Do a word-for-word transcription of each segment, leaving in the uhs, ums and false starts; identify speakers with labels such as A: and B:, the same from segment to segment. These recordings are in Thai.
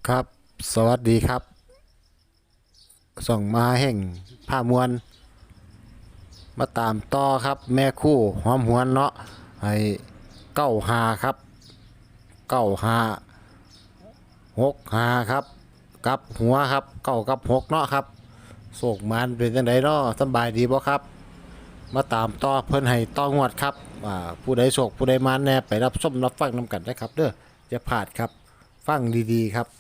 A: ครับสวัสดีครับส่องมาแห่งผ้ามวลมาตามต่อครับแม่คู่หอมหวนเนาะให้เก้าหาครับเก้าหาหกหาครับกับหัวครับเก้ากับหกเนาะครับโศกมันเป็นจังไดเนาะสำบายดีบ่ครับมาตามต่อเพิ่นให้ต่องวดครับอ่าผู้ใดโศกผู้ใดมันแน่ไปรับชมรับฟังนํกันนะครับเด้อจะพลาดครับฟังดีๆครับ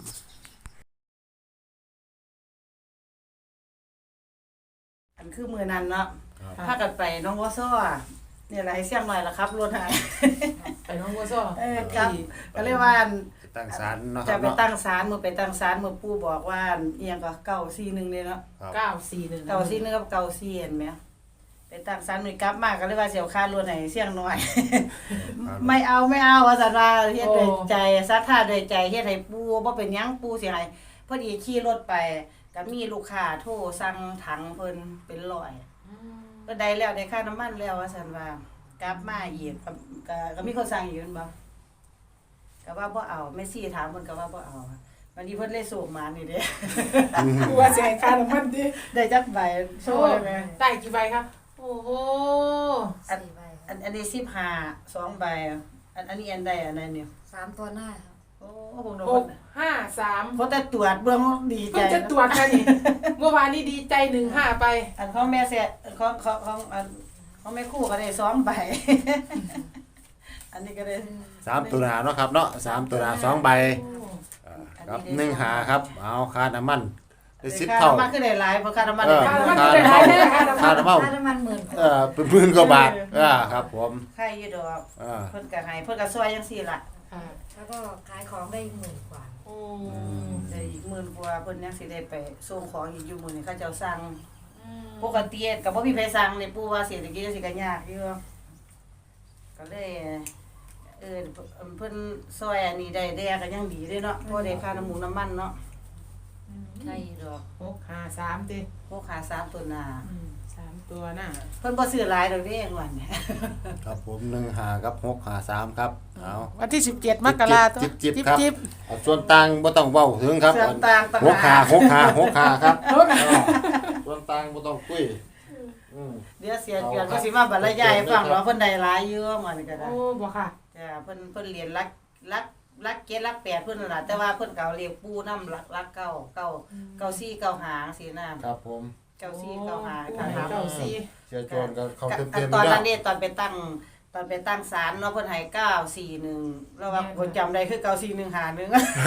B: อันคือมือนั้นเนาะ
A: ครับ
B: พากันไปน้องวอซ้อเนี่ยแหละให้เสียงหน่อยละครับรถหาย
C: ไปน้องบัวซ้อ
B: เออครับก็เลยว่าอัน
A: ตั้งศาลเนาะค
B: จะ
A: รับ
B: ไป
A: เนาะ
B: ตั้งศาลมือไปตั้งศาลมือปู่บอกว่าอันเอียงก็เก้าสี่หนึ่งเลยเนาะ
C: เก้าสี่หนึ่ง
B: เก้าสี่หนึ่งกับเก้าสี่เห็นไหมไปตั้งศาลมือกลับมาก็เลยว่าเสียวค่ารถให้เสียงหน่อย ไม่เอาไม่เอาว่าสันว่าเฮ็ดด้วยใจศรัทธาด้วยใจเฮ็ดให้ปู่บ่เป็นหยังปู่สิให้พอดีขี่รถไปก็มีลูกค้าโทรสั่งถังเพิ่นเป็นร้อยก็ได้แล้วได้ค่าน้ำมันแล้วว่าซั่นว่ากลับมาอีกก็ก็ก็มีคนสั่งอีกแม่นบ่ก็ว่าบ่เอาแม่ซี่ถามเพิ่นก็ว่าบ่เอาวันนี้เพิ่นเลยส่งมานี่เด้
C: บัวเสียค่าน้ำมันดิ
B: ได้จักใบโชว์ได้ไหม
C: ได้กี่ใบครับ โอ้โห
B: อันอันอันนี้สิบห้า สองใบอันอันนี้อันใดอันนั้นเนี่ย
D: สามตัวหน้าครับ
B: โอ้ผมโด
C: ห
B: น
C: กห้าสาม
B: เพราะแต่ตรวจเบื้องดีใจ
C: เพิ่งจะตรวจกันนี่ เมื่อวานนี้ดีใจหนึ่งห้าไป
B: อันของแม่เสียของของของอันของแม่ครู่ก็ได้สองใบ อันนี้ก็ได้
A: สามตัวหนาเนาะครับเนาะสามตัวหนาสองใบอ่าครับหนึ่งหาครับเอาค่าน้ำมันได้สิบ
B: ค่า
A: เท่า
B: น้ำมันคือได้หลายเพราะค่าน้ำมัน
A: เออ
B: ได้หลาย
A: ค่าน้ำมันค่าน้ำมัน
D: ค่าน้ำมันหมื่นกว่า
A: เออเป็นหมื่นกว่าบาทอ่าครับผม
B: ค่าอยู่ดอก
A: อ่า
B: เพิ่นก็ให้เพิ่นก็ซอยจังซี่ล่ะ
C: ค่ะ
D: แล้วก็ขายของได้หมื่นกว่า
C: โอ้
B: ได้อีกหมื่นกว่าเพิ่นยังสิได้ไปส่งของอีกอยู่มื้อนี้เขาเจ้าสั่ง
C: อืม
B: ปกติก็บ่มีไผสั่งนี่ปู่ว่าเศรษฐกิจสิก็ยากอยู่ก็เลยเออเพิ่นซอยอันนี้ได้ได้ก็ยังดีเด้เนาะบ่ได้ค่าน้ำมูกน้ำมันเนาะใช่ดอก
C: หกห้าสามดิ
B: พวกขาสามตัวหน้า
C: อืมสามตัวหน้า
B: เพิ่นบ่ซื้อหลายดอกเด้งวันเนี่ย
A: ครับผมหนึ่งหากับหกหาสามครับเอา
C: วันที่สิบเจ็ดมกราคม
A: จิบจิบครับเอาส่วนต่างบ่ต้องเว้าถึงครับ
B: เสื้อต่างต่าง
A: หกหา
B: หาก
A: หกหาหกหาครับส่วนต่างบ่ต้องคุยอืม
B: เดี๋ยวเสียเกียรติก็สิมาบรรยายให้ฟังว่าเพิ่นได้หลายอยู่มันก็ได้
C: โอ้บ่ค่ะ
B: จ้าเพิ่นเพิ่นเรียนรักรักรักเกศรักแปดเพิ่นนั่นล่ะแต่ว่าเพิ่นก็เอาเรียกปู่นำรักรักเก้าเก้าเก้าสี่เก้าหาจังซี่นะครับ
A: ผม
B: เก้าสี่เก้าหา
C: โอ้
B: ค่ะ
C: เก้าสี่
A: เสียโจรก็เขา
B: อั
A: เต็ม
B: น
A: ๆ
B: ตอน
A: แล้
B: นั้
A: วน
B: เด้ตอนไปตั้งตอนไปตั้งศาลเนาะเพิ่นให้เก้าสี่หนึ่งแล้วว่าคนจำได้คือเก้าสี่หนึ่งหาหนึ่ง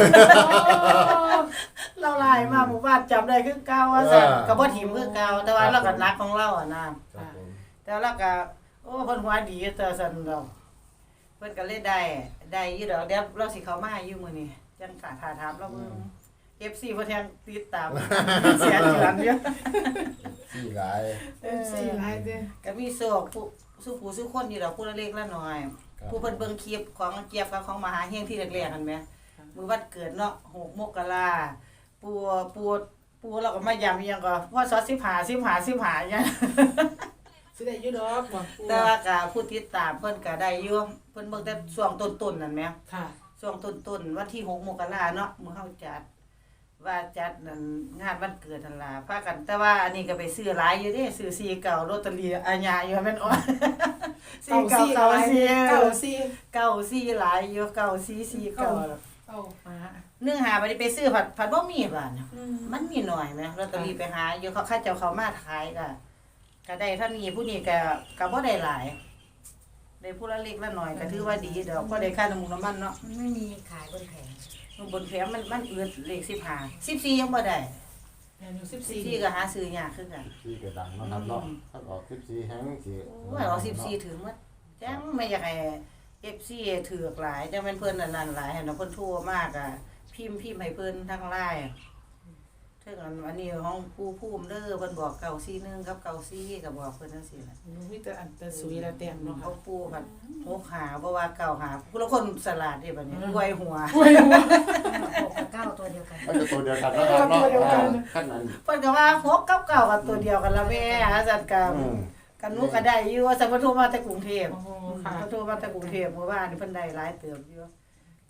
B: เราไล่มาหมู่บ้านจำได้คือเก่าว่าซั่นก็บ่ถิ่มคือเก่าแต่ว่าเราก็รักของเราอ่ะนะครับ
A: ผม
B: แต่เราก็โอ้เพิ่นหัวดีแต่ซั่นดอกเพิ่นก็เลยได้ได้อยู่ดอกเดี๋ยวเราสิเข้ามาอยู่มื้อนี้จังกะถาถามเราเบิ่ง เอฟ ซี เพิ่นแทงติดตาม เสียเจือนอยู่
A: สี่หลาย
C: เอฟซีหลายดิ
B: ก็มีโศกผู้สู้ผู้สู้คนอยู่ดอกผู้ละเล็กละน้อย
A: ครับ
B: ผู้เพิ่นเบิ่งคลิปของเกียบกับของมหาเฮงที่แรกๆกันแหมมื้อวันเกิดเนาะหกมกราปูปูปูเราก็มาย้ำอีหยังก็ว่าซอสิบห้า สิบห้า สิบห้าอีหยัง
C: สิได้อยู่ดอกบ่
B: แต่ว่าก็ผู้ติดตามเพิ่นก็ได้อยู่เพิ่นเบิ่งแต่ช่วงต้นๆนั่นแหม
C: ค่ะ
B: ช่วงต้นๆวันที่หกมกราเนาะมื้อเฮาจัดว่าจัดนั่นงานวันเกิดนั่นล่ะพากันแต่ว่าอันนี้ก็ไปซื้อหลายอยู่เด้ซื้อสี่เก่าลอตเตอรี่อาญาอยู่แม่นอ๋อ สี่เก่าเก่าสี่
C: เก้าสี่
B: เก่าสี่หลายอยู่เก่าสี่สี่เก่า
C: เก้าหา
B: เนื่องหาบ่ได้ไปซื้อผัดผัดบ่มีบาดน่ะ
C: อืม
B: มันมีหน่อยแหมลอตเตอรี่ไปหาอยู่เขาเขาเจ้าเขามาขายก็ก็ได้เท่านี้ผู้นี้ก็ก็บ่ได้หลายได้ผู้ละเล็กละน้อยก็ถือว่าดีดอกก็ได้ค่าน้ำมันน้ำมันเนาะ
D: มันไม่มีขายบนแผง
B: บนแผงมันมันอืดเลขสิบห้า สิบสี่ยังบ่ได้
C: แม่นอยู่สิบ
B: สิบ
C: สี่
B: สี่ก็หาซื้อยากคือกัน
A: สี่ก็ดังเนาะครับเนาะถ้าออกสิบสี่แฮงสิ
B: โอ้ยเอาสิบสี่ถึงหมดจังไม่อยากให้ เอฟ ซี ถือกหลายจังแม่นเพิ่นอันนั้นหลายให้เนาะเพิ่นโทรมากอ่ะพิมพ์พิมพ์ให้เพิ่นทาง ไลน์ถึงอันอันนี้ของผู้ภูมิเด้อเพิ่นบอกเก้าสี่หนึ่งกับเก้าสี่ก็บอกเพิ่นจังซี่ล่ะ
C: มีแต่อันแต่สุยละแต้มเนาะค่ะ
B: เขาปูผัดหกหาบ่ว่าเก้าหาผู้ละคนสลัดเด้บัดนี้รวยหัว
C: โอ้ยหัว
D: หกกับเก้าตัวเดียวกัน
A: มันก็ตัวเดียวกันเนาะครับเนาะ
C: ตัวเดียวกัน
A: ขั้นนั้น
B: เพิ่นก็ว่าหกกับเก้าก็ตัวเดียวกันละแม่หาจัดกัน
A: อืม
B: กันหนูก็ได้อยู่ว่าสัมปทุมมาแต่กรุงเทพ
C: โอ้โหค่ะ
B: สัมปทุมมาแต่กรุงเทพเมื่อวานนี่เพิ่นได้หลายเติบอยู่ เพิ่น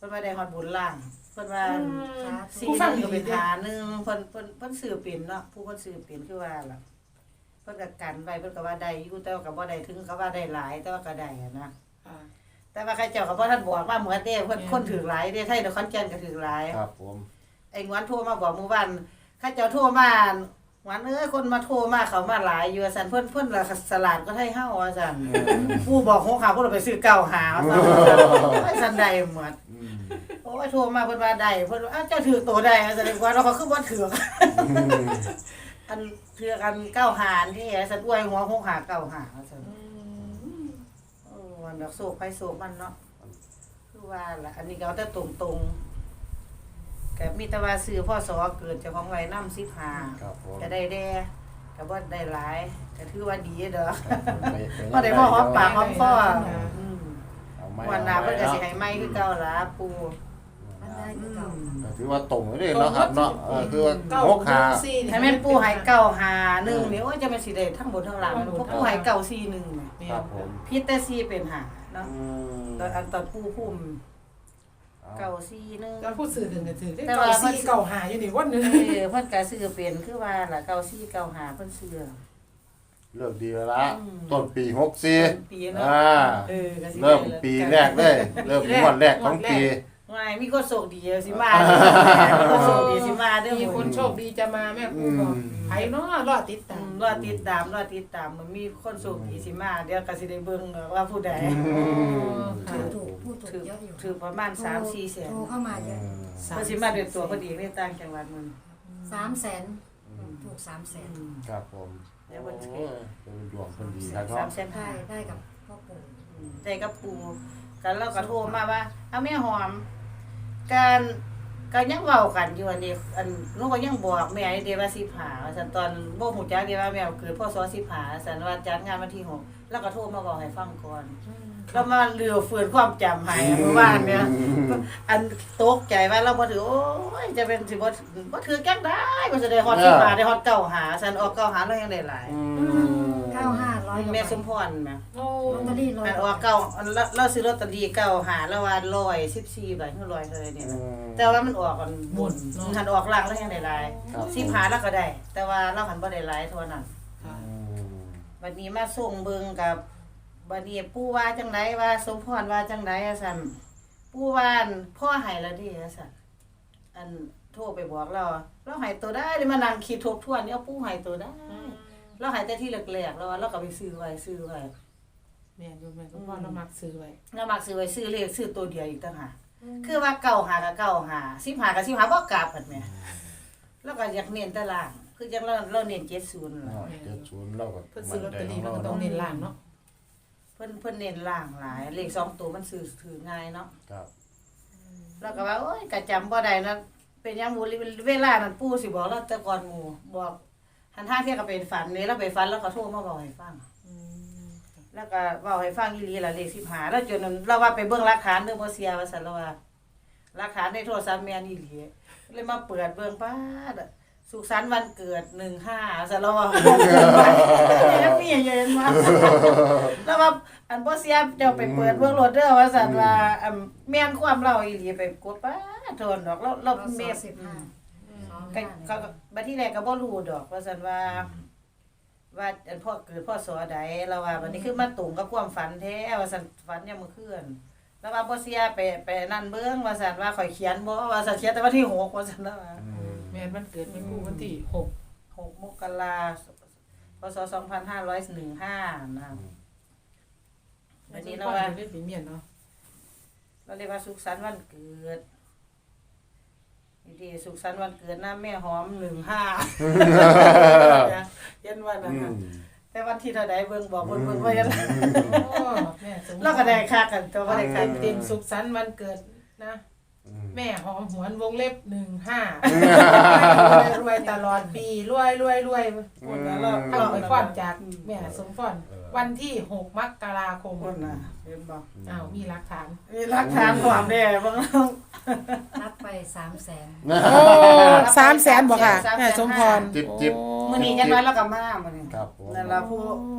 B: พิ่นว่าได้ฮอดบุญล่างเพิ่นว่า
D: สาธุ
B: สี่หนึงก็เป็นหาหนึงเพิ่นเพิ่นเพิ่นซื้อเป็นเนาะผู้เพิ่นซื้อเป็นคือว่าล่ะเพิ่นก็กันไว้เพิ่นก็ว่าได้อยู่แต่ว่าก็บ่ได้ถึงกับว่าได้หลายแต่ว่าก็ได้อะนะ
C: ค่ะ
B: แต่ว่าใครเจ้าก็บ่ทันบอกว่าเหมือนเด้เพิ่นคนถือหลายเด้ไทยนครแก่นก็ถือหลาย
A: ครับผม
B: ไอ้งวนโทรมาบอกหมู่บ้านข้าเจ้าโทรมาหวานเอ้ยคนมาโทรมาเขามาหลายอยู่ว่าซั่นเพิ่นเพิ่นละสลาดก็ให้เฮาว่าซั่นผู้บอกของเขาเพิ่นเอาไปซื้อเก่าหาว่าซั่นไอ้ซั่นใดหมด
A: อืม
B: โอ้ยโทรมาเพิ่นว่าได้เพิ่นว่าอ้าวเจ้าถือตัวได้แสดงว่าเราก็คือบ่ถืออันถือกันเก้าหารที่ซั่นอวยหัวหงหาเก้าหาว่าซั่น
C: อืม
B: โอ้วันดอกโศกไปโศกมันเนาะคือว่าล่ะอันนี้ก็เอาแต่ตรงๆก็มีแต่ว่าซื้อพ่อสอเกิดเจ้าของไว้นำสิบห้า
A: ครับผม
B: ก็ได้แด่ก็บ่ได้หลายก็ถือว่าดีเด้อ
A: ไปไป
B: บ่ได้บ่หอมปากหอมคออืม
A: เอาไม้
B: วันหน้า
A: เอา
B: เพิ่นก็
A: ไม้
B: สิให้ใหม่คือเก่าล่ะปู่
D: มันได้คือเก่า
A: ก็ถือว่าตรงเลยเนาะครับเนาะเออคือว่า
C: เก้า
A: หกหา
C: สี่
B: ให้แม่นปู่ให้เก้าหาหนึ่งนี่โอ้ยจะเป็นสิได้ทั้งบนทั้งล่างเพราะปู่ให้เก้าสี่หนึ่งนี่
A: ครับผม
B: ผิดแต่สี่เป็นหาเนาะ
A: อืม
B: ตอนอันตอนปู่พุ่ม
A: เอา
B: เก้าสี่หนึ่ง
C: การพูดสื่อถึงกันถือได้
B: แต่
C: เก่า
B: ว่า
C: สี่เก่าหาอยู่นี่วันหนึง
B: เออเพิ่นก็ซื้อเป็นคือว่าล่ะเก้าสี่เก้าหาเพิ่นซื้อ
A: เลิกดีแล้วละ
B: อืม
A: ต้นปีหกสี่
B: เป็นปีเนาะ
A: อ่า
B: เออก็สิได้
A: เริ่มปีแรกเลย เริ่มงวดแรกของปี
B: ไม่มีคนโชคดีสิมาเด้อมีคนโชคดีสิมาเด้อ
C: มีคนโชคดีจะมาแม่ครูบอกไผเนาะรอติด
B: อื
C: ตาม
B: มรอติดตามรอติดตามมันมีคนโชคดีสิมาเดี๋ยวก็สิได้เบิ่งว่าผู้ใด
D: ถูกถูกพูดถู
B: ถื
D: ก
B: อ
D: เยอะอยู่
B: ถือประมาณสามสี่แสน
D: โทรเข้ามาเยอะ
B: เพิ่นสิมาด้วยตัวพอดีในต่างจังหวัดมึง
D: สามแสนถูกสามแสน
A: ครับผม
B: เดี๋ยววัน
A: โอ้
B: ที่
A: ยเป็นดวงคนดีครับ
B: สามแสน
D: ได้
B: ห้า
D: ได้กับพ่อปู่
B: ได้กับปูกันเราก็โทรมาว่าเอาแม่หอมการก็ยังเว้ากันอยู่อันนี้อันหนูก็ยังบอกแม่เด้ว่าสิผาว่าซั่นตอนบ่ฮู้จักเด้ว่าแม่เกิดพศสิผาซั่นว่าจัดงานวันที่หกแล้วก็โทรมาบอกให้ฟังก่อนเรามาเลือฟื้นความจำให้เมื่อวานเนี่ยอันตกใจว่าเราบ่ถือโอ้ยจะเป็นสิบ่บ่ถือจังได้ก็จะได้ฮอดสิผาได้ฮอดเก้าหาซั่นออกเก้าหาแล้วยังได้หลาย
A: อืม
D: เก้าห้าร้อย
B: แม่สมพรแม่
C: โอ้
D: ลอตเตอรี่ร้อย
B: อันออกเก้าอันเราเราซื้อลอตเตอรี่เก้าหาแล้วว่าร้อยสิบสี่ใบคือร้อยเท่าไหร่เนี่ยนะแต่ว่ามันออกกันบนหันออกล่างแล้วยังได้หลาย
A: ครับ
B: สิบหาแล้วก็ได้ แต่ว่าเราหันบ่ได้หลายเท่านั้น
A: อืม
B: วันนี้มาส่งเบิ่งกับบัดนี้ปู่ว่าจังไดว่าสมพรว่าจังไดอะซั่นปู่ว่าอั่นพ่อให้แล้วเดิอะซั่นอันโทรไปบอกเราเราให้ตัวได้ได้มานั่งคิดทบทวนเนี่ยปู่ให้ตัวได้เราให้แต่ที่แรกๆแล้วว่าเราก็ไปซื้อไว้ซื้อไว้
C: แม่อยู่แม่สมพรเรามักซื้อไว้
B: เรามักซื้อไว้ซื้อเลขซื้อตัวเดียวอีกต่างหากคือว่าเก่าหากับเก่าหาสิบหากับสิบหาบ่กลับกันแหม่แล้วก็อยากเน้นแตาราง คือจังเราเราเน้นเจ็ดศูนย์
A: อ่าเจ็ดศูนย์เราก็
C: เพิ่นซื้อลอตเตอรี่มันก็ต้องเน้นล่างเนาะ
B: เพิ่นเพิ่นเน้นล่างหลาย เลขสองตัวมันซื้อถือง่ายเนาะ
A: ครับ
B: แล้วก็ว่าโอ้ยก็จำบ่ได้นะเป็นหยังหมู่เวลานั้นปู่สิบอกเราแต่ก่อนหมู่บอกหันห้าเที่ยก็เป็นฝันนี่เราไปฝันแล้วก็โทรมาบอกให้ฟัง
C: อืม
B: แล้วก็เว้าให้ฟังอีหลีล่ะเลขสิบห้าแล้วจนนั้นเราว่าไปเบิ่งหลักฐานเด้อบ่เสียว่าซั่นเราว่าหลักฐานในโทรศัพท์แม่นอีหลีเลยมาเปิดเบิ่งป๊าดอะสุขสันต์วันเกิดหนึ่งห้าซั่นเราว่าแล้วมีเย็นมาแล้วว่าอันบ่เสียเจ้าไปเปิดเบิ่งรถเด้อว่าซั่นว่าอันแม่นความเราอีหลีไปกดป๊าดโทนดอกเราเรา
D: เรา
B: เม
D: เม
B: ฟ
D: สิบห้าสอง
B: ก็
D: ห้า
B: ก็บัดที่แรกก็บ่รู้ดอกว่าซั่นว่า ว่าอันพ่อเกิดพ่อสอใดเราว่าบัดนี้คือมาตรงกับความฝันแท้ว่าซั่นฝันยามมื้อคืนแล้วว่าบ่เสียไปไปนั่นเบิ่งว่าซั่นว่าข่อยเขียนบ่ว่าซั่นเขียนแต่วันที่หกว่าซั่นแล้วว่า
A: อืม
C: แม่นวันเกิดแม่ครูวันที่หก
B: หกมกราพศสองพันห้าร้อยสิบห้านะวันนี้เราว่า
C: เล่นปีเมียนเนาะ
B: เราเรียกว่าสุขสันต์วันเกิดดีสุขสันต์วันเกิดนะแม่หอมหนึ่งห้าเย็นวันนั้
A: อื
B: น
A: ม
B: แต่วันที่เท่าใดเบิ่งบอกเบิ่งเบิ่งว่ายัน
C: โอ้แม่สมพร
B: เราก็ได้ค่ากันตัวบ่ได้ค่า
C: เต็ม
B: เต็
C: เต็
B: ม
C: มสุขสันต์วันเกิดนะ
A: อืม
C: แม่หอมหวนวงเล็บหนึ่งห้า รวยตลอดปีรวยรวยรวย
B: คนละรอบ
C: เอาไปฟ้อนจากแม่สมพรวันที่หกมกราคม
B: คนน่ะเห็นบ่
C: อ้าวมีหลักฐาน
B: มีหลักฐานความแน่บ่น้อง
D: นับไปสามแสน
C: โอ้สามแสนบอกค่ะแม่สมพร
A: จิบจิบ
B: มื้อนี้จังน้อยเราก็มามื้อนี้
A: ครับผม
B: นั่นล่ะผู้
C: โอ้
B: ผ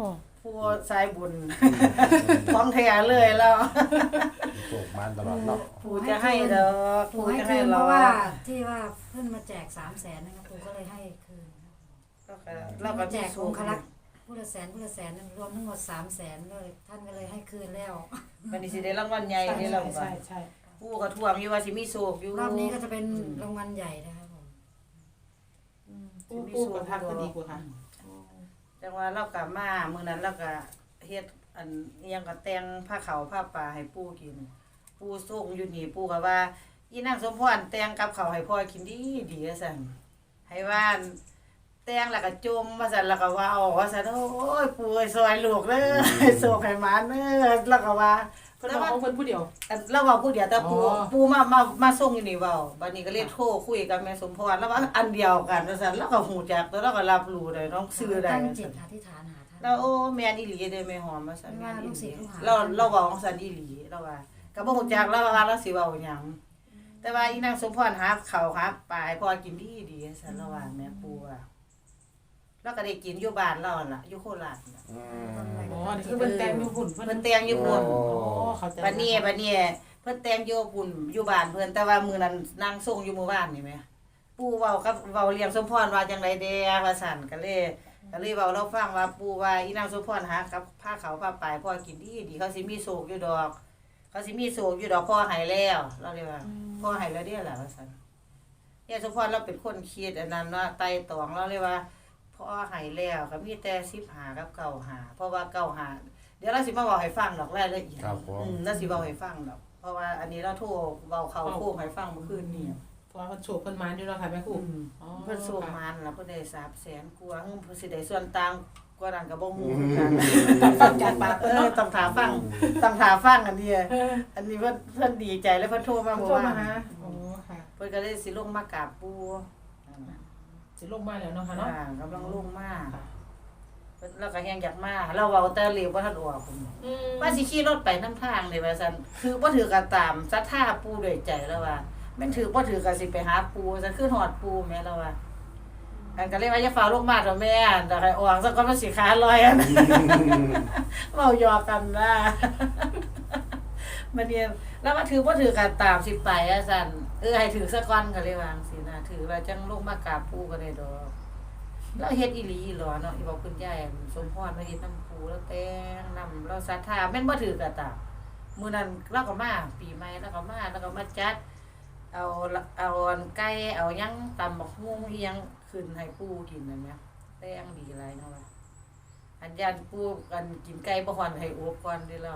B: ผู้สายบุญของแท้เลยแล้ว
A: โชคมันตลอดเนาะ
B: ผู้จะให้ดอก
D: ปู่
B: ผู้
D: ให้
B: จะ
D: คื
B: ให้
D: นเพ
B: เรา
D: ราะว่าที่ว่าเพิ่นมาแจกสามแสนนะครับปู่ก็เลยให้คืน
B: แล้วก็เราก็
D: มาแจ
B: มี
D: ก
B: สู
D: อง
B: ง
D: ค์คลักษ์ผู้ละแสนผู้ละแสนรวมทั้งหมดสามแสนเลยท่านก็เลยให้คืนแล้ว
B: วันนี้สิได้รางวัลใหญ่
C: ใช่
B: นี่เรา
C: ใช่ใช่
B: ผู้ก็ท่วงอยู่ว่าสิมีโศกอยู่
D: รอบนี้ก็จะเป็นรางวัลใหญ่นะครับผม
C: ปูปูกับทักก็ดีกว่าค่ะ
B: จังว่าเรากลับมามื้อนั้นเราก็เฮ็ดอันอิหยังก็แต่งผ้าขาวผ้าป่าให้ปู่กินปู่ส่งอยู่นี่ปู่ก็ว่าอีนางสมพรแต่งกับข้าวให้พ่อกินดีดีว่าซั่นให้ว่าแต่งแล้วก็จมว่าซั่นแล้วก็ว่าเอาว่าซั่นโอ้ยปู่เอ้ยซอยลูกเด้อให้โศกให้หมาเด้อแล้วก็ว่า
C: เพิ่นบอกของเพิ่นผู้เดียว
B: อันเราเว้าผู้เดียวแต่ปู่
C: อ๋อ
B: ปู่มามามาส่งอยู่นี่เว้าบัดนี้ก็เลยโทรคุยกับแม่สมพรแล้วว่าอันเดียวกันว่าซั่นแล้วก็ฮู้จักแล้วเราก็รับรู้ได้น้องชื่อได้
D: ตั้ง
B: ว่า
D: จิ
B: ซั่
D: ต
B: น
D: อธิษฐานหาท่าน
B: แล้วโอ้แม่นอีหลีเด้แม่หอมว่าซั่น
D: ไม่
B: แม่
D: ว่าน
B: อี
D: ลูก
B: ห
D: ศิ
B: ลี
D: ษย์ลูกหา
B: เราเราเว้าของซั่นอีหลีเราว่าก็บ่ฮู้จักเราว่าเราสิเว้าหยังแต่ว่าอีนางสมพรหาข้าวหาปลาให้พ่อกินดีดีซั่นเราว่าแม่ปู่ว่าเราก็ได้กินอยู่บ้านเรานั่นล่ะอยู่โคราชน่ะ
A: อืม
C: อ๋อนี่คือเพิ่นแต่งอยู่หุ่นเพิ่น
B: เพิ่นแต่งอยู่พุ่น
C: อ๋อเข้าใจ
B: บัดนี้บัดนี้เพิ่นแต่งอยู่พุ่นอยู่บ้านเพิ่นแต่ว่ามื้อนั้นนางส่งอยู่หมู่บ้านนี่แหมปู่เว้ากับเว้าเลี้ยงสมพรว่าจังได๋แด่ว่าซั่นก็เลยก็เลยเว้าเราฟังว่าปู่ว่าอีนางสมพรหากับผ้าขาวผ้าปลายพ่อกินดีดีเขาสิมีโศกอยู่ดอก เขาสิมีโศกอยู่ดอกพ่อให้แล้วเราเรียกว่าพ่อให้แล้วเด้อล่ะว่าซั่นยายสมพรเราเป็นคนคิดอันนั้นเนาะไต่ตองเราเรียกว่าพ่อให้แล้วก็มีแต่สิบห้ากับเก้าห้าเพราะว่าเก้าห้าเดี๋ยวเราสิมาเว้าให้ฟังดอกรายละเอียด
A: ครับผม
B: อืมแล้วสิเว้าให้ฟังดอก เพราะว่าอันนี้เราโทรเว้าเข้าโค้งให้ฟังเมื่อคืนนี้
C: เพราะว่าเพิ่นโชคเพิ่นมาอยู่แล้วค่ะแม่ครู
B: อืม
C: อ๋อ
B: เพิ่นส่งมาแล้วเพิ่นได้สามแสนกว่าเพิ่นสิได้ส่วนต่างกว่านั้นก็บ่ฮู้คือกัน
C: ฟังจากปาก
B: เอ
C: เพิ่น
B: อ
C: เนาะ
B: ต้องถามฟังต้องถามฟังอันนี้อันนี้เพิ่นเพิ่นดีใจแล้วเพิ่นโทรมา
C: เพิ่น
B: เมื่อ
C: โทร
B: วา
C: มาน หาอ๋อค่ะ
B: เพิ่นก็เลยสิลงมากราบปู่นั่นน่ะ
C: สิลงมาแล้วเนาะค่ะเนาะ
B: อ่ากำลังลงมา
C: ค่ะ
B: เพิ่นเราก็แฮงอยากมาเราเว้าแต่เร็วบ่ทันออกพุ่น
C: อืม
B: ว่าสิขี่รถไปนำทางนี่ว่าซั่นคือบ่ถือกันตามศรัทธาปู่ด้วยใจแล้วว่าแม่นถือบ่ถือก็สิไปหาปู่ซั่นคือฮอดปู่แม่แล้วว่าอันก็เลยว่าอย่าฟ้าวลงมาเถอะแม่เดี๋ยวให้ออกซะก่อนมันสิขาลอยอัน เว้าหยอกกันนะมันเนี่ยแล้วมาถือบ่ถือกันตามสิไปอะซั่นเออให้ถือซะก่อนก็เลยวาจั่งซี้นะถือแล้วจังลงมากราบปู่ก็ได้ดอกแล้วเฮ็ดอีหลีอีหลอเนาะอีบอกคุณยายสมพรมาเฮ็ดน้ำปู่แล้วแต่งนำเราศรัทธาแม่นบ่ถือกันตามมื้อนั้นเราก็มาปีใหม่แล้วก็มาแล้วก็มาจัด เอาเอาอันไก่เอาหยังตำบักฮุ่งอีหยังขึ้นให้ปู่กินนั่นแหมแต่งดีหลายเนาะว่าอันยานปู่กันกินไก่บ่ฮ้อนให้อบก่อนเด้อแล้ว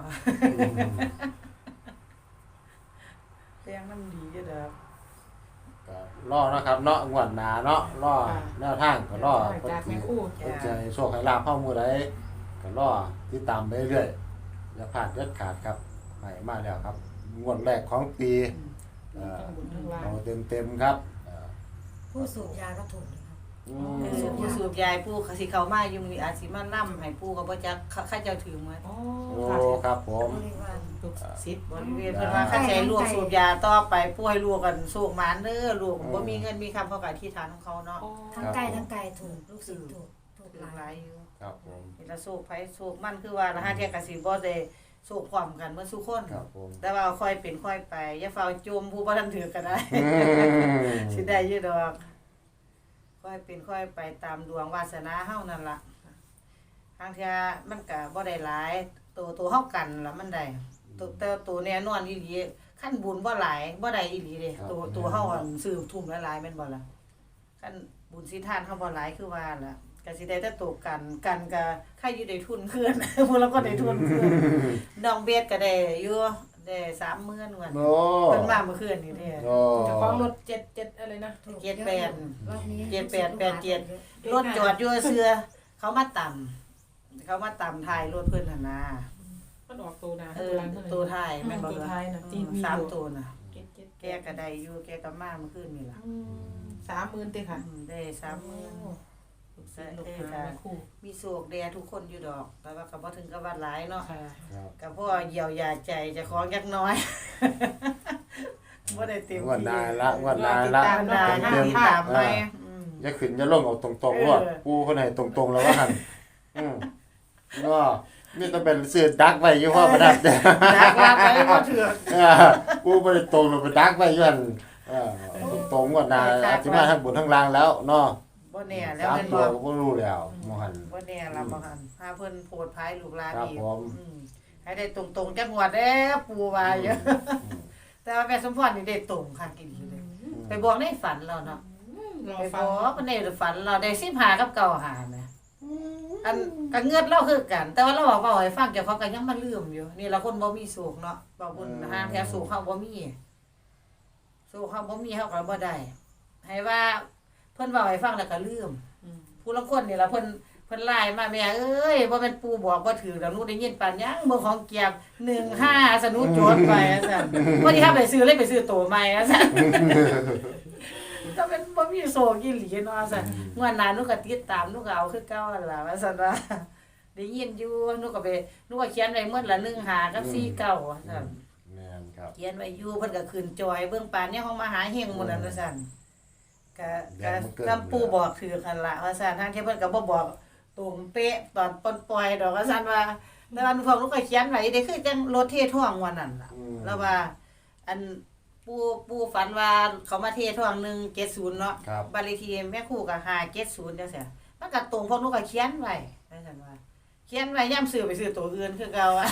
B: แต่งน้ำดีอยู่เด้อ
A: ก็รอนะครับเนาะงวดหน้าเนาะรอแนวทางก็รอ
C: จากแม่ครู
A: เพิ่นจะให้โชคให้ลาภเฮามื้อใดก็รอติดตามไปเรื่อยอย่าพลาดเด็ดขาดครับให้มาแล้วครับงวดแรกของปีเอ่อ
C: ทั้งบุญทั้งลา
A: เอาเต็มๆครับเอ่อ
D: ผู้สูบยาก็ถูกนะครับ
A: อื
B: เอ
A: ม
B: อผู้สูบยายปู่เขาสิเข้ามาอยู่มื้อนี้อาจสิมานำให้ปู่ก็บ่จักเขาเจ้าถือหมด
C: อ๋อ
A: โอ้
C: ค่ะ
A: ครับผม
D: บริวาร
C: ทุกสิทธิ์
B: บริเวณเพิ่นว่าคันใช้ลูกสูบยาต่อไปป่วยลูกกันสูบหมานเด้อลูกบ่มีเงินมีคำเขาก็อธิษฐานของเขาเนาะ
C: อ๋อ
D: ทั้งไกลทั้งไกลถูกลูกศิษย์ถูกถูก
B: ถือ
D: หลา
B: หลาย
D: ย
B: อยู่
A: ครับผม
B: เห็นแล้วสูบไผสูบมันคือว่าละหาเที่ยก็สิบ่ได้สูบพร้อมกันเมื่อสุคน
A: ครับผม
B: แต่ว่าค่อยเป็นค่อยไปอย่าเฝ้าจมผู้บ่ทันถือก็ได้
A: อืม
B: สิได้อยู่ดอกค่อยเป็นค่อยไปตามดวงวาสนาเฮานั่นล่ะทางเที่ยมันก็บ่ได้หลายตัวตัวเฮากันล่ะมันได้ตัวแต่ตัวแน่นอนอีหลีขั้นบุญบ่หลายบ่ได้อีหลีเด้ตัวตัวเฮาอันซื้อทุ่มหลายๆแม่นบ่ล่ะขั้นบุญสิทานเฮาบ่หลายคือว่าล่ะก็สิได้แต่ตัวกันกันก็ใครอยู่ได้ทุนคืน พวกเราก็ได้ทุนคืนน้องเบสก็ได้อยู่ได้สามหมื่นว่า
A: โอ้
B: เพิ่นมาเมื่อคืนนี่เด้
A: โอ้
C: เจ้าของรถเจ็ดเจ็ดอะไรนะ
D: ถูก
B: เจ็ดแปด
D: รอบนี้
B: เจ็ดแปดแปดเจ็ด รถจอดอยู่เสือเขามาต่ำเขามาต่ำท้ายรถเพิ่นหั่นน่ะ
C: มันออกตัวนะ
B: เออตัวท้ายแม่นบ่
C: ตัว
B: ล่ะ
C: ท้ายนะ
B: อื
C: ที่
B: ม
C: มี
B: สาม
C: อยู่
B: ตัวน่ะ
C: เจ็ดเจ็ด
B: แกก็ได้อยู่แกก็มาเมื่อคืนนี่ล่ะ
C: อืมสามหมื่นเต็ค่ะ
B: อืมได้สามหมื่น
C: ลูกศิษย์ลูกหาแม่ครู
B: มีโศกแดทุกคนอยู่ดอก แต่ว่าก็บ่ถึงกับว่าหลายเนาะ
C: ค่ะ
A: ครับ
B: ก็พอเยียวยาใจเจะของจักหน้อย บ่ได้เต็ม
A: งวดห
B: ที่
A: น้าละงวดหน้าละ
B: ตามนาหน้า
A: เต็ม
B: ที่
A: ๆ
B: ตามไป
A: อ่า อย่าขึ้นอย่าลงเอาตรงๆรวด
B: เออ
A: ปูคนไหนตรงๆแล้วว่าหั่นอืมเนาะมีแต่เป็นซื้อดักไว้อยู่พ่อประดับเด้อ
B: ดักว่าไปบ่ถือ
A: เออกูบ่ได้ตรงไปดักไว้อยู่หั่นเออตรงว่านาอาจสิมาทั้งบนทั้งล่างแล้วเนาะ
B: บ่แน่แล้ว
A: สาม
B: แม่น
A: ตัว
B: บ่
A: ก็บ่รู้แล้วหมอหัน
B: บ่แน่ละบ่หันหาเพิ่นโพดภายลูกหลาน
A: ครับ
B: อีก
A: ผม
B: อืมให้ได้ตรงๆจักงวดเด้อปู่ว่าอยู่แต่ว่าแม่สมพรนี่ได้ตรงค่ะกินเลย ไปบอกในฝันเราเนาะ
C: รอ
B: ไปบ
C: ฟั
B: อง กมันในฝันเราได้สิบหากับเก่าหาแหมอันก็เงือดเราคือกัน แต่ว่าเราบอกว่าให้ฟังเจ้าของก็ยังมาลืมอยู่นี่เราคนบ่มีสุขเนาะบ่บุญหางแถวสุขเฮาบ่มีสุขเฮาบ่มีเฮาก็บ่ได้ให้ว่าเพิ่นเว้าให้ฟังแล้วก็ลืมผู้ลางคนนี่ล่ะเพิ่นเพิ่นไลน์มาแม่เอ้ยบ่แม่นปู่บอกบ่ถือแล้วหนูได้ยินปานหยังเบิ่งของเกียบหนึ่งห้าสนุโจทย์ไปว่าซั่นพอดีครับไปซื้อเลยไปซื้อโตใหม่ว่าซั่น ก็เป็นบ่มีโซกี่หลีเนาะซั่นงวดหน้าหนูก็ติดตามหนูก็เอาคือเก่าหั่นล่ะว่าซั่นว่าได้ยินอยู่หนูก็ไปหนูก็เขียนไว้หมดละหนึ่งห้ากับสี่เก้าว่าซั่น
A: แม่นครับ
B: เขียนไว้อยู่เพิ่นก็ขึ้นจอยเบิ่งปานเนี่ยของมหาเฮงหมู่นั้นว่าซั่นก็ก็คำปู่บอกถือกันล่ะว่าซั่นทางที่เพิ่นก็บ่บอกตรงเป๊ะตอนปนปล่อยดอกว่าซั่นว่าแต่ว่าหนูฟังหนูก็เขียนไว้ได้คือจังรถเทท่วงวันนั้นล่ะ แล้วว่า อันปูปูฝันว่าเขามาเทท่วงหนึ่งเจ็ดศูนย์เนาะ
A: ครับ
B: บาลีทีแม่ครู่กับหาเจ็ดศูนย์จังซี่มันก็ตรงพวกหนูก็เขียนไว้ว่าซั่นว่า เขียนไว้ย่ำซื้อไปซื้อตัวอื่นคือเก่าอ่ะ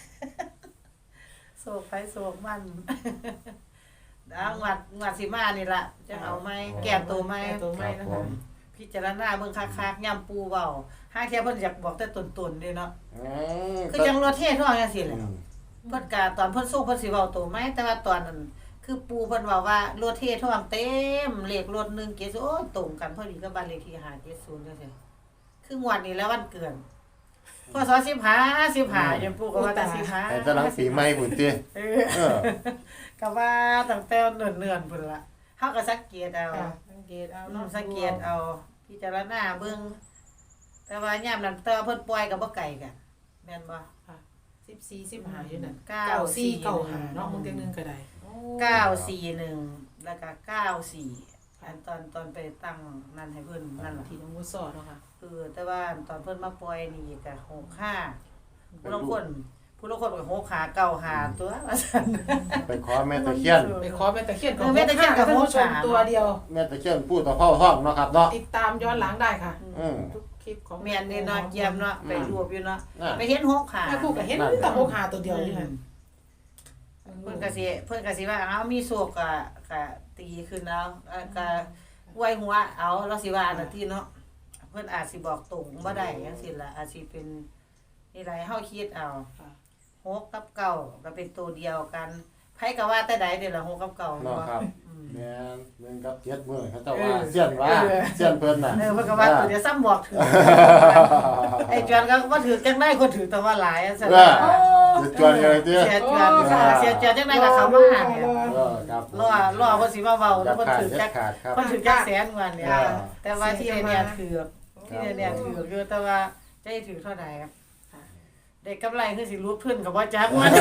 B: โศกไปโศกมัน ดาวงวดงวดสิมานี่ล่ะจังเอาไหมแก้ตัวไหม
C: แก้ตัวไหม
A: ครับ
C: นะ
A: ผ
C: คะ
A: ม
B: พิจารณาเบิ่งคักๆย่ำปูเว้าห้าเที่ยเพิ่นอยากบอกแต่ตนๆเด้เนาะ
A: อืม
B: คือจังรถเทท่วงจังซี่แห
A: อื
B: ละ
A: ม
B: เพิ่นกะตอนเพิ่นส่งเพิ่นสิเว้าตัวไหมแต่ว่าตอนนั้นคือปูเพิ่นเว้าว่ารถเทท่วงเต็มเลขรถหนึ่งเจ็ดศูนย์โอ้ยตรงกันพอดีกับบ้านเลขที่ห้าเจ็ดศูนย์จังซี่คืองวดนี้แล้ววันเกิดพศสิบห้า สิบห้ายังปูก็ว่าแต่สิบห้า
A: ให้ตะลังปีใหม่พุ่นติ
B: เออ
A: เออ
B: ก็ว่าตั้งแต่เนิ่นๆพุ่นล่ะเฮาก็สังเกตเอา
C: ค่ะสังเกตเอา
B: อื
C: เนาะ
B: มสังเกตเอาพิจารณาเบิ่งแต่ว่ายามนั้นแต่ว่าเพิ่นปล่อยก็บ่ไกลกันแม่นบ่
C: สิบสี่สิบห้าอยู่นั่น
B: เก้า
C: เก้าสี่
B: สี่
C: เก้าห้าเนาะมึงเตียงหนึงก็ได้
B: เก้าสี่หนึ่งแล้วก็เก้าสี่อันตอนตอนไปตั้งนั่นให้เพิ่นนั่นล่ะ
C: ที่น้องมุสอเนาะค่ะ
B: เออแต่ว่าตอนเพิ่นมาปล่อยนี่ก็หกห้าผู้ลางคนผู้ลางคนก็หกห้าเก้าห้าตัวว่าซั่น
A: ไปขอแม่ตะเคียน
C: ไปขอแม่ตะเคียน
B: เออแม่ตะเคียนกับ
C: ท่านผู้ชม
B: โหดหา
C: ตัวเดียว
A: แม่ตะเคียนพูดต่อพ่อห้องเนาะครับเนาะ
C: ติดตามย้อนหลังได้ค่ะ
A: อืม
C: ทุกคลิปของ
B: แม่นนี่เนาะเยี่ยมเนาะไปรวบอยู่เนาะ
A: อ่า
B: ไปเห็นหกห้า
C: แม่ครูก็เห็นแต่หกหาตัวเดียวอยู่นั่น
B: เพิ่นก็สิเพิ่นก็สิว่าเอามีโศกก็ก็ตีขึ้นเอาเอ่อก็อวยหัวเอาแล้วสิว่าอันนั้นที่เนาะเพิ่นอาจสิบอกตรงบ่ได้จังซี่ล่ะอาจสิเป็นนี่หลายเฮาคิดเอา
C: ค่ะ
B: หกกับเก้าก็เป็นตัวเดียวกันไผก็ว่าแต่ใดเด้ล่ะหกกับเก้า
A: เนาะครับ
B: อืม
A: แม่นหนึ่งกับเจ็ดมื้อเขาเจ้า
B: เอ
A: ว่า
B: อ
A: เสี้ยนว่า
B: เออ
A: เสี้ยนเพิ่นน่ะ
B: เออเพิ่นก็ว่าตัวเดียวซ้ำบอกถือไอ้จวนก็บ่ถือจังได๋คนถือแต่ว่าหลายอันซั่น
A: เออจะจวนกันเลยติ
B: เสียจวนค่ะเสียจวนจังได๋ก็เข้ามาหาเนี่ย
A: เออครับ
B: รอรอเพิ่นสิมาเว้า
A: อ
B: แล้
A: ย่าว
B: เพิ่น
A: ขาด
B: ถือ
A: อย่า
B: จัก
A: ขาดครับ
B: เพิ่นถือจักแสนกว่าเนี่ย
A: อ่า
B: แต่ว่าที่เนี่ยถือที่เนี่ยถืออยู่แต่ว่าจะให้ถือเท่าใดครับได้กำไรคือสิรู้เพิ่นก็บ่จักมัน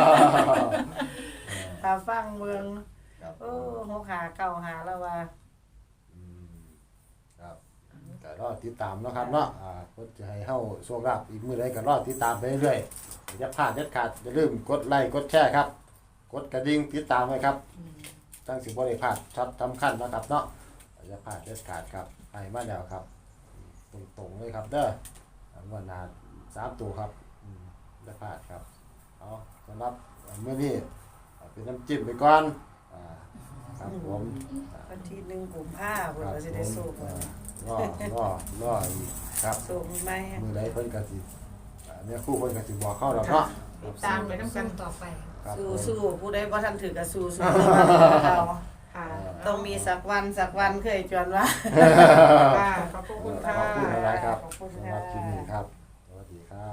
B: ถ้าฟังเบิ่ง
A: ครับ
B: โอ้หกหาเก้าหาแล้วว่า
A: อืมครับก็รอติดตามเนาะครับเนาะอ่าเพิ่นจะให้เฮาโชคลาภอีกมื้อใดก็รอติดตามไปเรื่อยๆอย่าพลาดเด็ดขาดอย่าลืมกดไลค์กดแชร์ครับ กดกระดิ่งติดตามไว้ครับตั้งสิบ่ได้พลาดช็อตสำคัญนะครับเนาะอย่าพลาดเด็ดขาดครับให้มาแล้วครับตรงๆเลยครับเด้อวันหน้าสามตัวครับอืมอย่าพลาดครับเอาสำหรับมื้อนี้เอาเป็นน้ำจิ้มไปก่อนอ่าครับผม
B: วันที่หนึ่งกุมภาพันธ์เพิ่น
A: ครับ
B: ก็สิ
A: ผ
B: ได้
A: ม
B: สูบ
A: อ่ารอรอรออีกครับ
B: สูบไหม
A: มือใดเพิ่นก็สิอ่าเนี่ยครู่เพิ่นก็สิบอกเข้าดอกเนาะ
C: ติดตามไปน้ำกัน
D: ต่อไป
A: ครับ
B: สู้
A: ผม
B: สู้ผู้ใดบ่ทันถือก็สู้สู้เรา
C: ค่ะ
B: ต้องมีสักวันสักวันเคยจวนว่า
C: ค่ะขอบคุณค่ะ
A: ขอบคุณอะไรครับ
B: ขอบคุณ
A: สำห
B: ค่ะ
A: รับคลิปนี้ครับ สวัสดีครับ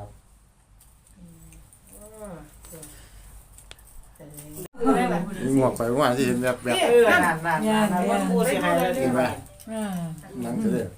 A: มีหมวกไปว่าที่เห็นแบบแบบ
B: เออนั่นนั่นนั่นว่าผู้สิให้เลย
A: เห็นไหม
D: อ่า
A: นั่นคือเด้อ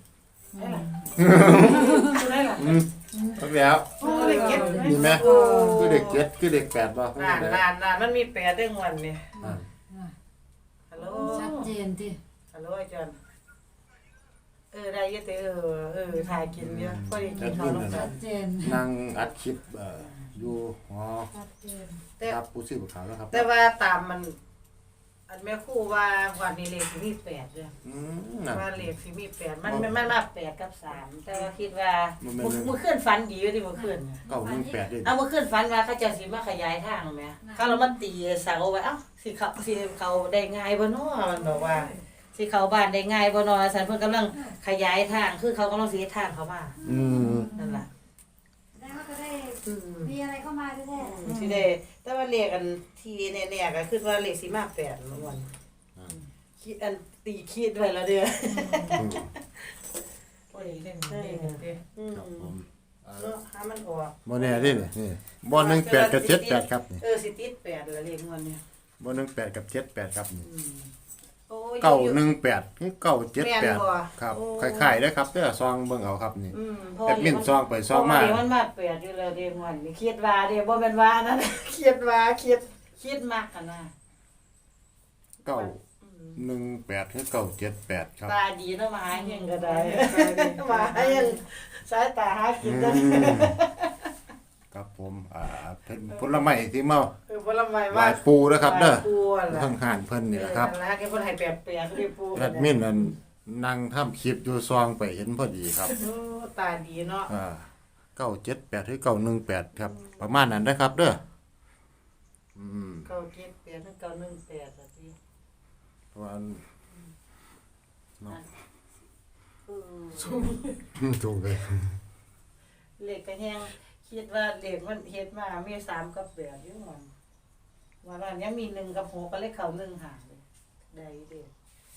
C: ได้ล่ะ
A: อืมเอาแล้ว
C: โอ้ยเก็บ
A: มีไหมคือเด็กเจ็ดคือเด็กแปดบ่
B: นั่นนั่นนั่นมันมีแปดเด้งวันนี่
A: นั่น
B: ฮัลโหล
D: ชัดเจนที่
B: ฮัลโหลไอ้จวนเออได้อยี่แต่เออเออถ่ายกินเยอะพอดีกินเขาวลงไป
D: ชัดเจน
A: นั่งอัดคลิปเอ่ออยู่หอ
D: ชัดเจน
B: แต่
A: ครับผู้ซื้อขาวแล้วครับ
B: แต่ว่าตามมัน อันแม่ครู่ว่าวันนี้เลขสิมีแปดเด้อ
A: อืมน่ะ
B: ว่าเลขสิมีแปดมันมันมันมาแปดกับสามแต่ว่าคิดว่า
A: มันเป็น
B: เมื่อคืนฝันดีอยู่ดิเมื่อคืน
A: เก้าหนึ่งแปดด้วย
B: เอาเมื่อคืนฝันว่าเขาเจะสิมาขยายทางแหมเขาเรามาตีเสาไว้เอ้าสิเขาสิเขาได้ง่ายบ่เนาะมันบอกว่า สิเขาบ้านได้ง่ายบ่เนาะสันเพิ่นกำลังขยายทางคือเขากำลังสิเฮ็ดทางเขามา
A: อืม
B: นั่นล่ะ
D: แล้วก็จะได้
B: อืม
D: มีอะไรเข้ามาแท้ๆ
B: สิได้แต่ว่าเลขอันที่แน่ๆก็คือว่าเลขสิมาแปดมันวันคิดอันตีคิดไว้แล้วเด้อ
C: พอดีเล่นเล่นเด้
B: อืม
A: ครับผมเอ่อ
B: เนาะหามันออก
A: บ่แน่เดินี่นี่บ่หนึ่งแปดกับเจ็ดแปดครับนี่
B: เออสิติดแปดละเลขงวดเนี่ย
A: บ่หนึ่งแปดกับเจ็ดแปดครับนี่
B: อืมโอ้ย
A: เก้าหนึ่งแปดเก้าเจ็ดแปด
B: แม่นบ่
A: ครับ
B: โอ้
A: คล้ายๆเด้อครับเด้อซองเบิ่งเอาครับนี่
B: อืม
A: แอดมินซองไปซองมา
B: เพระว่เดี๋ยวมันมาแปดอยู่แล้วเด้งวดนี่คิดว่าเด้บ่แม่นว่านั่น คิดว่าคิดคิดมากกันนะ
A: เก้าหนึ่งแปดถึงเก้าเจ็ดแปดครับ
B: ตาดีเนาะมาหาเฮงก็ได้มาหาเฮงสายตาหากินได้
A: อืมครับผมอ่าเป็นผลไม้ที่เมา
B: เออผลไม้
A: หลายปูนะครับเด้อ
B: ปูนั่นล่ะ
A: เพิ่งหานเพิ่นนี่แหละครับ
B: เออนั่นล่ะแกเพิ่นให้แปดแปดคือปู
A: แอดมินนั่นนั่งทำคลิปอยู่ซองไปเห็นพอดีครับ
B: โอ้ตาดีเนาะ
A: อ่าเก้าเจ็ดแปดหรือเก้าหนึ่งแปดครับ ประมาณนั้นนะครับเด้ออืม
B: เก้าเจ็ดแปดถึงเก้าหนึ่งแปดล่ะติ
A: เพราะว่าเนาะ
B: เออ
A: ถูกเลย
B: เลขก็แฮงคิดว่าเลขมันเฮ็ดมามีสามกับแปดอยู่มันว่าร้านนี้มีหนึ่งกับหกก็เลยเข้าหนึ่งหางเลยได้เด้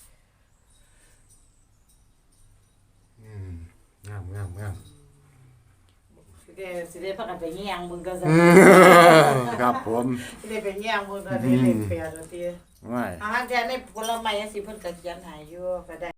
A: อืมงามงามงาม
B: สิได้สิได้พากันไปแย่งมึงก็ซะ
A: อืมครับผม
B: สิได้ไปแย่งมึงก็ได้เลขแปดว่าติ
A: ไม่
B: อาหารแท้ในผลไม้จังซี่เพิ่นก็เขียนให้อยู่ก็ได้